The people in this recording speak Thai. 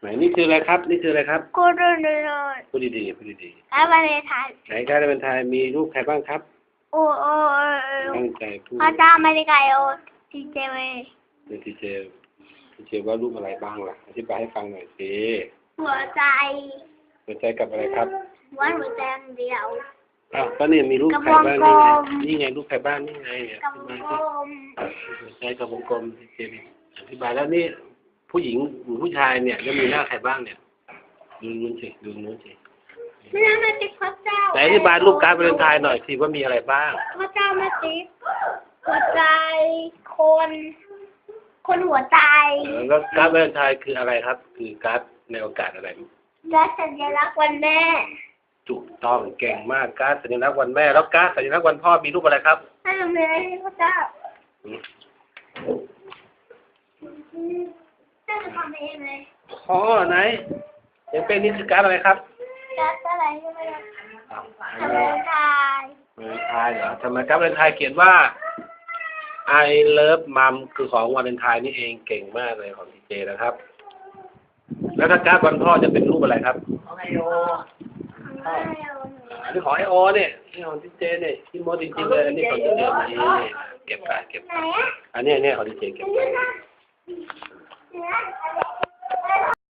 ไหนนี่คืออะไรครับนี่คืออะไรครับกูดูเลยพูดดีๆพูดดีแล้วมาเลยถ่ายๆไหนการเป็นไทยมีรูปใครบ้างครับโอ้ตั้งใจพูดพระเจ้าไม่ได้ไกลโอทีเจเวเดี๋ยวทีเจว่ารูปอะไรบ้างล่ะอธิบายให้ฟังหน่อยสิหัวใจหัวใจกับอะไรครับว่าหัวใจเดียวอ้าวก็เนี่ยมีรูปใครบ้างนี่ไงรูปใครบ้างนี่ไงเนี่ยกับกลมหัวใจกับวงกลมทีเจอธิบายแล้วนี่ผู้หญิงหรือผู้ชายเนี่ยจะมีหน้าใครบ้างเนี่ยดูนู้นสิดูนู้นสิไม่ได้มาติ๊กพระเจ้าแต่อธิบายรูปการ์ดวาเลนไทน์หน่อยสิว่ามีอะไรบ้างพระเจ้ามาติ๊กหัวใจคนหัวใจแล้วการ์ดวาเลนไทน์คืออะไรครับคือการ์ดในโอกาสอะไรการสัญลักษณ์วันแม่ถูกต้องเก่งมากการ์ดสัญลักษณ์วันแม่แล้วการ์ดสัญลักษณ์วันพ่อมีรูปอะไรครับให้เราไม่ได้พระเจ้าจะทำเองเลยอ๋อไหนยังเป็นนี่คือการ์ดอะไรครับการ์ดอะไรใช่ไหมครับวาเลนไทน์วาเลนไทน์เหรอทำไมการ์ดวาเลนไทน์เขียนว่า I love mom คือของวาเลนไทน์นี่เองเก่งมากเลยของทีเจนะครับแล้วถ้าการ์ดวันพ่อจะเป็นรูปอะไรครับของไอโออันนี้ของไอโอเนี่ยนี่ของทีเจเนี่ยที่โมจริงๆเลยอันนี้ของทีเจนี่เก็บไปอันนี้ของทีเจเก็บไป